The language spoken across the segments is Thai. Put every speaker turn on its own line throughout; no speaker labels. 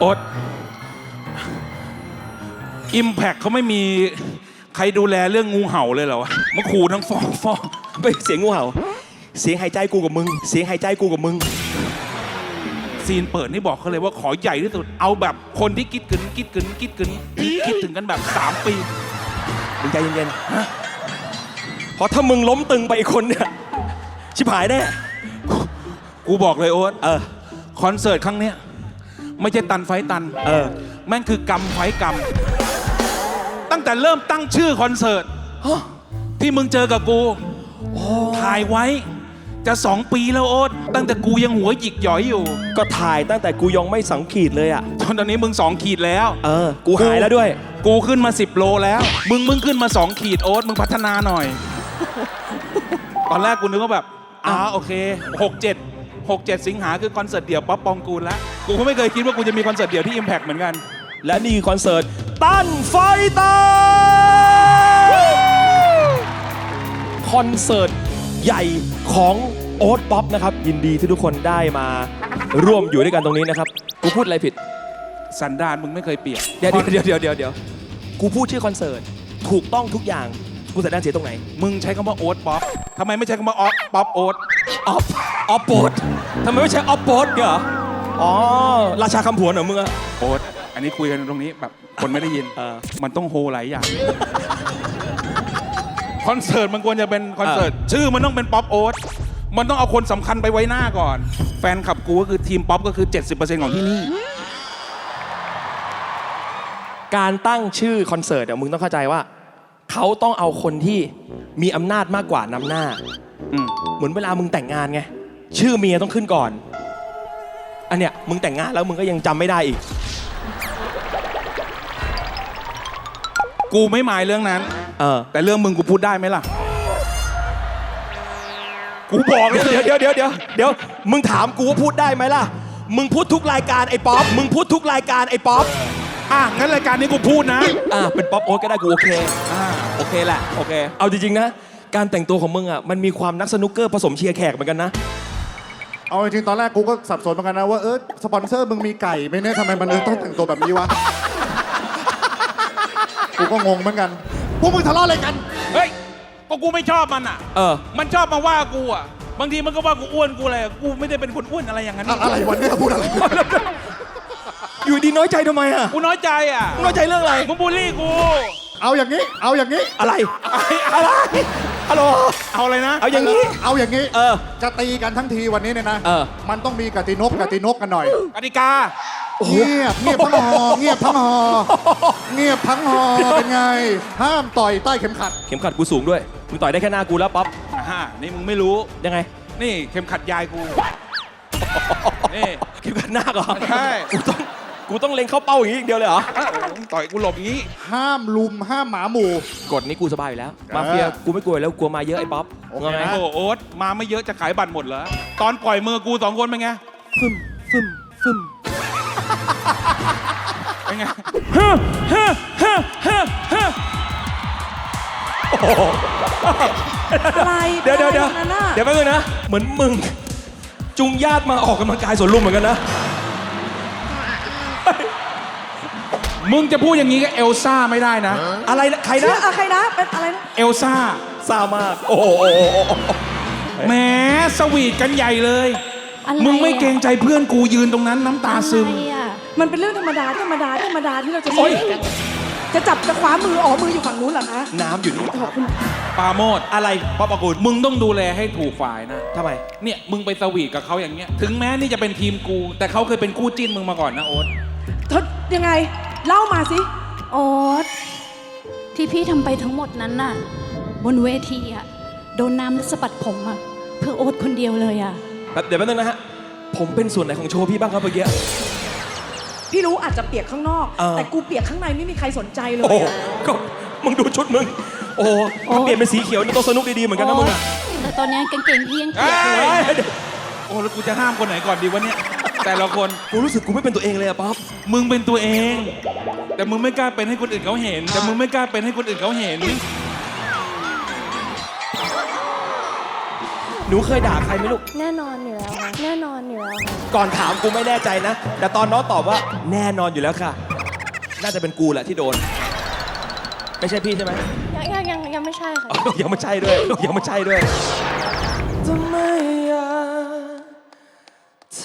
อ๊ตอิมแพคเขาไม่มีใครดูแลเรื่องงูเห่าเลยเหรอวะมาขู่ทั้งฟ้อง
ไม่เสียงงูเห่าเสียงหายใจกูกับมึงเสียงหายใจกูกับมึง
ซีนเปิดนี่บอกเขาเลยว่าขอใหญ่ที่สุดเอาแบบคนที่คิดถึงคิดถึงกันแบบ3 ปี
มึงใจเย็นๆเพราะถ้ามึงล้มตึงไปอีกคนเนี่ยชิบหายแน่
กูบอกเลยโอ๊ตคอนเสิร์ตครั้งเนี้ยไม่ใช่ตันไฟตันแม่งคือกรรมไฟกรรมตั้งแต่เริ่มตั้งชื่อคอนเสิร์ตที่มึงเจอกับกูถ่ายไว้จะ2 ปีแล้วโอ๊ตตั้งแต่กูยังหัวหยิกหย่อยอยู่
ก็ถ่ายตั้งแต่กูยังไม่2 ขีดเลยอ่ะ
ตอนนี้มึง2 ขีดแล้ว
กูหายแล้วด้วย
กูขึ้นมา10 โลแล้วมึงขึ้นมา2 ขีดโอ๊ตมึงพัฒนาหน่อย ตอนแรกกูนึกว่าแบบโอเค6-7 สิงหาคือคอนเสิร์ตเดี่ยวป๊อปปองกูลแล้วกูก็ไม่เคยคิดว่ากูจะมีคอนเสิร์ตเดี่ยวที่ Impact เหมือนกัน
และนี่คือคอนเสิร์ตตั้นไฟตาคอนเสิร์ตใหญ่ของโอ๊ตป๊อปนะครับยินดีที่ทุกคนได้มาร่วมอยู่ด้วยกันตรงนี้นะครับกูพูดอะไรผิด
สันดานมึงไม่เคยเปลี่ยน
เดี๋ยวกูพูดชื่อคอนเสิร์ตถูกต้องทุกอย่างกูสันดานเสียตรงไหน
มึงใช้คำว่าโอ๊ตป๊อปทำไมไม่ใช้คำว่าป๊อปโอ๊ต
ออฟโป๊ตทำไมไม่ใช่ออฟโป๊ตเหรอราชาคำผวนเหรอมึงอะ
โอ๊ตอันนี้คุยกันตรงนี้แบบคนไม่ได้ยินมันต้องโฮหลายอย่างคอนเสิร์ตมันควรจะเป็นคอนเสิร์ตชื่อมันต้องเป็นป๊อปโอ๊ตมันต้องเอาคนสำคัญไปไว้หน้าก่อนแฟนคลับกูก็คือทีมป๊อปก็คือ 70% ของที่นี่
การตั้งชื่อคอนเสิร์ตมึงต้องเข้าใจว่าเขาต้องเอาคนที่มีอำนาจมากกว่านำหน้าเหมือนเวลามึงแต่งงานไงชื่อเมียต้องขึ้นก่อนอันเนี้ยมึงแต่งงานแล้วมึงก็ยังจำไม่ได้อีก
กูไม่หมายเรื่องนั้นแต่เรื่องมึงกูพูดได้ไหมล่ะกูบอกเลย
เดี๋ยวมึงถามกูว่าพูดได้ไหมล่ะมึงพูดทุกรายการไอ้ป๊อปมึงพูดทุกรายการไอ้ป๊อป
งั้นรายการนี้กูพูดนะ
เป็นป๊อปโอ๊ตก็ได้กูโอเคโอเคแหละโอเคเอาจริงๆนะการแต่งตัวของมึงมันมีความนักสนุกเกอร์ผสมเชียร์แขกเหมือนกันนะ
เอาจริงๆตอนแรกกูก็สับสนเหมือนกันนะว่าสปอนเซอร์มึงมีไก่ไหมเนี่ยทำไมมันต้องแต่งตัวแบบนี้วะกูก็งงเหมือนกันพวกมึงทะเลาะอะไรกัน
เฮ้ยก็กูไม่ชอบมันมันชอบมาว่ากูบางทีมันก็ว่ากูอ้วนกูอะไรกูไม่ได้เป็นคนอ้วนอะไรอย่างนั้น
อะไรวันนี้พูดอะไร
อยู่ดีน้อยใจทำไม
กูน้อยใจ
น้อยใจเรื่องอะไร
มึงบูลลี่กู
เอาอย่างนี้
อะไรฮัลโหล
เอาอะไรนะ
เอาอย่างนี้
จะตีกันทั้งทีวันนี้เนี่ยนะมันต้องมีกตินกกันหน่อย
กติกา
เงียบทั้งหอเงียบทั้งหอเป็นไงห้ามต่อยใต้เข็มขัด
กูสูงด้วยมึงต่อยได้แค่หน้ากูแล้วป๊อป
นี่มึงไม่รู้
ยังไง
นี่เข็มขัดยายกู
นี่เข็มขัดหน้าเหรอ
ใช่
กูต้องเล็งเข้าเป้าอย่างนี้เดียวเลยเหรอ
ต่อยกูหลบอย่างนี้
ห้ามลุมห้ามหมาหมู่
กฎนี้กูสบายอยู่แล้วมาเฟียกูไม่กลัวแล้วกลัวมาเยอะไอ้ป๊อป
ไงโอ๊ตมาไม่เยอะจะขายบัตรหมดเหรอตอนปล่อยมือกู2 คนเป็นไงฟึ่มเป็นไง
อะไร
เดี๋ยวแป๊บนึงนะเหมือนมึงจุงญาติมาออกกำลังกายสวนลุมเหมือนกันนะ
มึงจะพูดอย่างนี้กับเอลซ่าไม่ได้นะ
อะไรใครนะ
ใครนะเป็นอะไรนะ
เอลซ่า
ซ่ามากโอ้
แหมสวีทกันใหญ่เลยมึงไม่เกรงใจเพื่อนกูยืนตรงนั้นน้ำตาซึม
มันเป็นเรื่องธรรมดาที่เราจะสวีทกันจะจับจะคว้ามือมืออยู่ฝั่งนู้นเหรอคะ
น้ำอยู่นี่
ปาโมด
อะไรป๊อปกูล
มึงต้องดูแลให้ถูกฝ่ายนะ
ทำไม
เนี่ยมึงไปสวีทกับเขาอย่างเงี้ยถึงแม้นี่จะเป็นทีมกูแต่เขาเคยเป็นคู่จิ้นมึงมาก่อนนะโอ๊ต
ยังไงเล่ามาสิ
โอ๊ตที่พี่ทำไปทั้งหมดนั้นน่ะบนเวทีโดนน้ำและสะบัดผมเพื่อโอ๊ตคนเดียวเลย
เดี๋ยวแป๊บนึงนะฮะผมเป็นส่วนไหนของโชว์พี่บ้างครับเมื่อกี้
พี่รู้อาจจะเปียกข้างนอกแต่กูเปียกข้างในไม่มีใครสนใจเลย
ก็มึงดูชุดมึงถ้าเปลี่ยนเป็นสีเขียวนี่ต้องสนุกดีๆเหมือนกันนะมึง
แต่ตอนนี้กางเกงพี่ยังเปียกเลย
แล้วกูจะห้ามคนไหนก่อนดีวะเนี่ยแต่ละคน
กูรู้สึกกูไม่เป็นตัวเองเลยป๊อป
มึงเป็นตัวเองแต่มึงไม่กล้าเป็นให้คนอื่นเขาเห็น
หนูเคยด่าใครไหมลูก
แน่นอนอยู่แล้วค่ะแน่นอนอยู่แล้วค่ะ
ก่อนถามกูไม่แน่ใจนะ แต่ตอนน้องตอบว่าแน่นอนอยู่แล้วค่ะ น่าจะเป็นกูแหละที่โดน ไม่ใช่พี่ใช่ไหม
ยังไม่ใช่ค่ะ
ยังไม่ใช่ด้วย ยังไม่ใช่ด้วยทำไมอยากเธ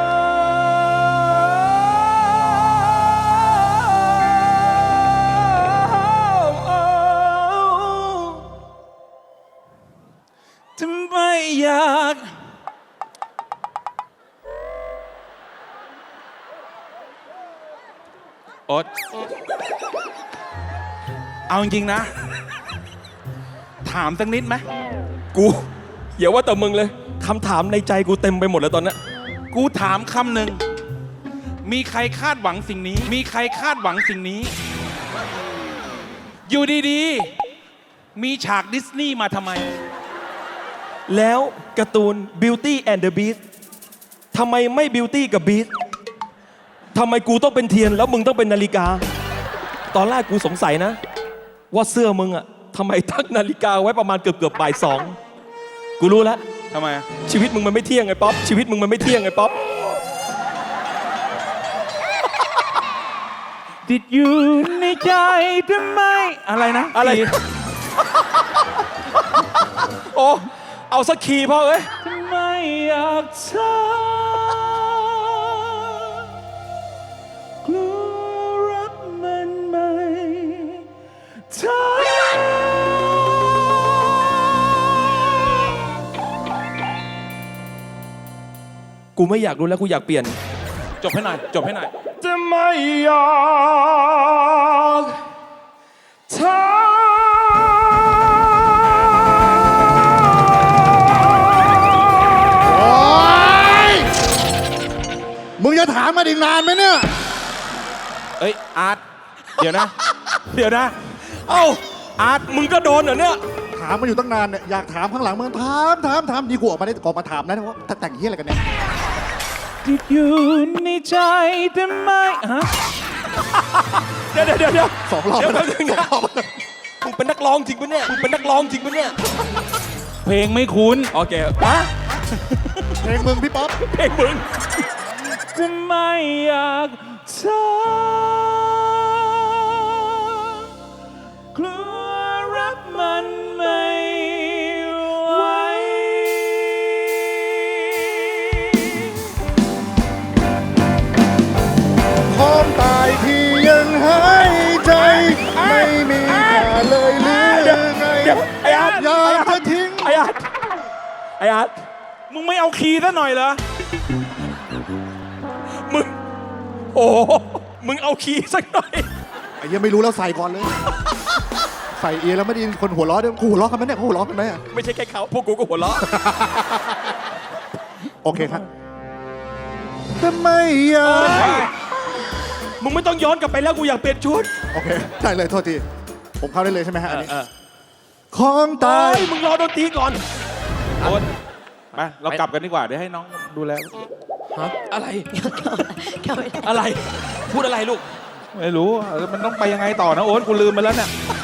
ทำไมอยากโอ๊ตเอาจริงๆนะ ถามสักนิดไหม
กูอย่าว่าแต่มึงเลยคำถามในใจกูเต็มไปหมดแล้วตอนนี้
กูถามคำหนึ่ง มีใครคาดหวังสิ่งนี้ มีใครคาดหวังสิ่งนี้ อยู่ดีๆ มีฉากดิสนีย์มาทำไม
แล้วการ์ตูน Beauty and the Beast ทำไมไม่ Beauty กับ Beast ทำไมกูต้องเป็นเทียนแล้วมึงต้องเป็นนาฬิกา ตอนแรกกูสงสัยนะ ว่าเสื้อมึงอะทำไมตั้งนาฬิกาไว้ประมาณเกือบบ่าย 2กูรู้แล้ว
ทำไมอะ
ชีวิตมึงมันไม่เที่ยงไงป๊อปชีวิตมึงมันไม่เที่ยงไงป๊อป
ติดอยู่ในใจทำไม อะไรนะ
อะไร โอ้เอาสักคีย์พ่อเอ้ย
ทำไมอยากเธอกลัวรักมันไหมเธอ
กูไม่อยากรู้แล้วกูอยากเปลี่ยน
จบให้หน่อย จบให้หน่อย
จะไม่อยากเธอ
โอ๊ยมึงจะถามมาอีกนานไหมเนี่ย
เอ้ย อาร์ต เดี๋ยวนะ เดี๋ยวนะ
เอ้าอาร์ตมึงก็โดนเหรอเนี่ย
ถามมาอยู่ตั้งนานเนี่ยอยากถามข้างหลังมึงถามดีกว่าออกมาได้ก่อนมาถามนะว่าแต่งเฮียอะไรกันเนี่ย
ติดอยู่ในใจทำไมฮะ
เดี๋ยว
สองรอบ
เดี๋ยว
แล้ว
แป๊บนึงนะมึงเป็นนักร้องจริงปะเนี่ยมึงเป็นนักร้องจริงปะเนี่ย
เพลงไม่คุ้น
โอเคฮะ
เพลงมึงพี่ป๊อป
เพลงมึง
จะไม่อยากเธอกลัวรักมันไม่ไหว
พร้อมตายที่ยังหายใจ ไม่มีค่าเลยหรือไง
ไอ้อาร์ต
อยากจะทิ้ง
ไอ้อาร์ตไอ้อาร์ต
มึงไม่เอาคีย์ซะหน่อยเหรอ
มึงโอ้โหมึงเอาคีย์สักหน่อย
ไอ้เหี้ยังไม่รู้แล้วใส่ก่อนเลย ใส่เอียแล้วไม่ได้ยินคนหัวเราะด้วยกูหัวเราะกันไหมเนี่ยเขาหัวเราะกันไหมอะ
ไม่ใช่แค่เขาพวกกูก็หัวเราะ
โอเคครับแต่ไม่อยาก
มึงไม่ต้องย้อนกลับไปแล้วกูอยากเปลี่ยนชุด
โอเคได้เลยโทษทีผมเข้าได้เลยใช่ไหมฮะอันนี้
เออ
ของตาย
มึงรอดนตรีก่อน
โอ๊ตไป เรากลับกันดีกว่า เดี๋ยวให้น้องดูแล
อะไร อะไร พูดอะไรลูก
ไม่รู้ มันต้องไปยังไงต่อนะโอ๊ตกูลืมไปแล้วเนี่ย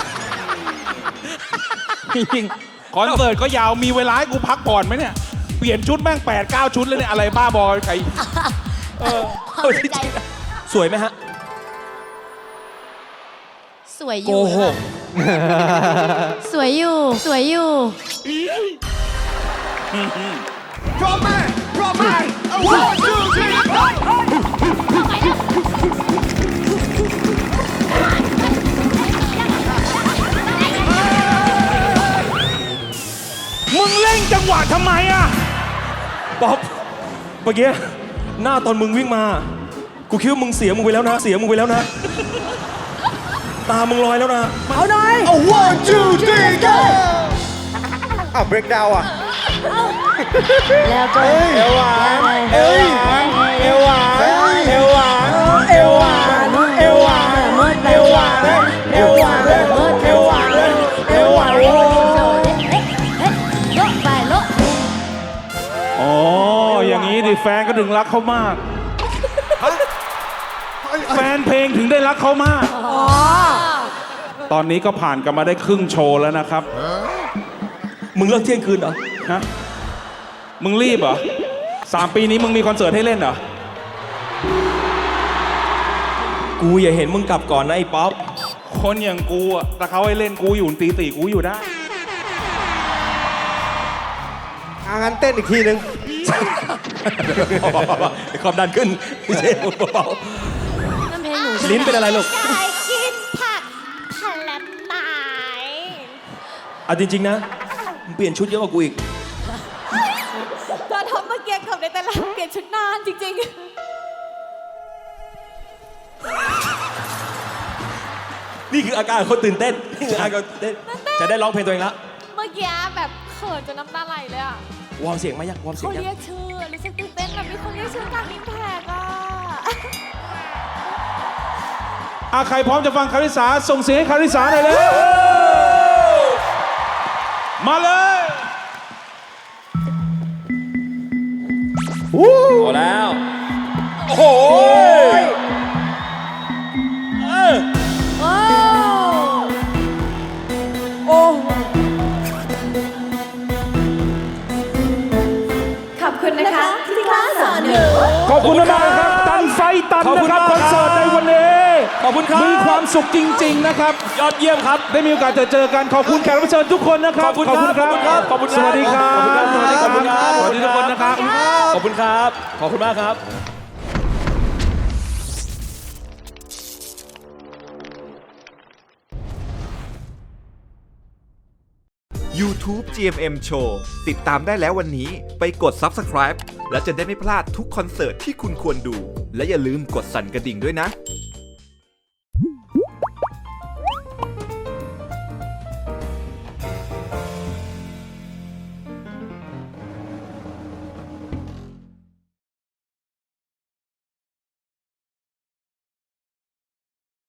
จริงๆคอนเสิร์ตก็ยาว มีเวลาให้กูพักผ่อนไหมเนี่ย เปลี่ยนชุดแม่ง8-9 ชุดเลยเนี่ย อะไรบ้าบอไก่
เอาจริงๆนะสวยไหมฮะ
สวยอ
โก
ยู่
หก
สวยอยู่ สวยอยู่
มึงเล่นจังหวะทำไมอ่ะ
ป๊อปเมื่อกี้หน้าตอนมึงวิ่งมา กูคิดว่ามึงเสียมึงไปแล้วนะ เสียมึงไปแล้วนะ ตามึงลอยแล้วนะ
เอาหน่อย
1 2 3 go
อ้าว break down อ่ะ
แล้วก็
เอวหวานเอวหวานเอวหวานเอวหวานเอวหวานเอวหวานเอวหวานเอวหวานเอวหวานเอวหวาน
ไปโล
อ๋อ อย่างนี้ดิแฟนก็ถึงรักเขามาก แฟนเพลงถึงได้รักเขามาก ตอนนี้ก็ผ่านกันมาได้ครึ่งโชว์แล้วนะครับ
มึงเลิกเที่ยงคืนเหรอ
ฮะมึงรีบเหรอ3 ปีนี้มึงมีคอนเสิร์ตให้เล่นเหรอ
กูอย่าเห็นมึงกลับก่อนนะไอ้ป๊อป
คนอย่างกูอะแต่เขาให้เล่นกูอยู่ตีสี่กูอยู่ได้
งั้นเต้นอีกทีนึง
ความดันขึ้นพี่เชฟเบา
นั่นเพลงหนู
ๆลิ้นเป็นอะไรลูก
ไก่กินผักผลัดไม้
เอาจริงๆนะมึงเปลี่ยนชุดเยอะกว่ากูอีก
ตอนทำเมื่อกี้เกือบในแต่ละเปลี่ยนชุดนานจริง
นี่คืออาการคนตื่นเต้น นี่คืออาการตื่นเต้น จะได้ร้องเพลงตัวเองละ
ๆ เมื่อกี้แบบเขินจนน้ำตาไหลเลยอ่ะ
วอร์มเสียงไหมยังวอร์มเสีย
เขา
งยัง
เรียกชื่อรู้สึกตื่นเต้นแบบมีคนเรียกชื่อกลางอิมแพกอ่ะ
ใครพร้อมจะฟังคาริสาส่งเสียงให้คาริสาหน่อยเลยมาเลย
พอแล้ว โอ้โห
โอ้
ขอบคุณนะคะที่กล้าสอนหนู
ขอบคุณมากๆครับตันไฟตันนะครับคอนเสิร์ตในวันนี้
ขอบคุณครับ
มีความสุขจริง ๆ นะครับ
ยอดเยี่ยมครับ
ได้มีโอกาสเจอกันขอบคุณแขกรับเชิญทุกคนนะครับ
ขอบคุณครับ
ขอบคุณ
ขอบคุณครับ
สวัสดีครับ
ขอบคุณครับ
สวัสดีทุกคนนะครับ
ขอบคุณครับ ขอบคุณมากครับ
YouTube GMM Show ติดตามได้แล้ววันนี้ไปกด Subscribe และจะได้ไม่พลาดทุกคอนเสิร์ตที่คุณควรดู และอย่าลืมกดสั่นกระดิ่งด้วยนะ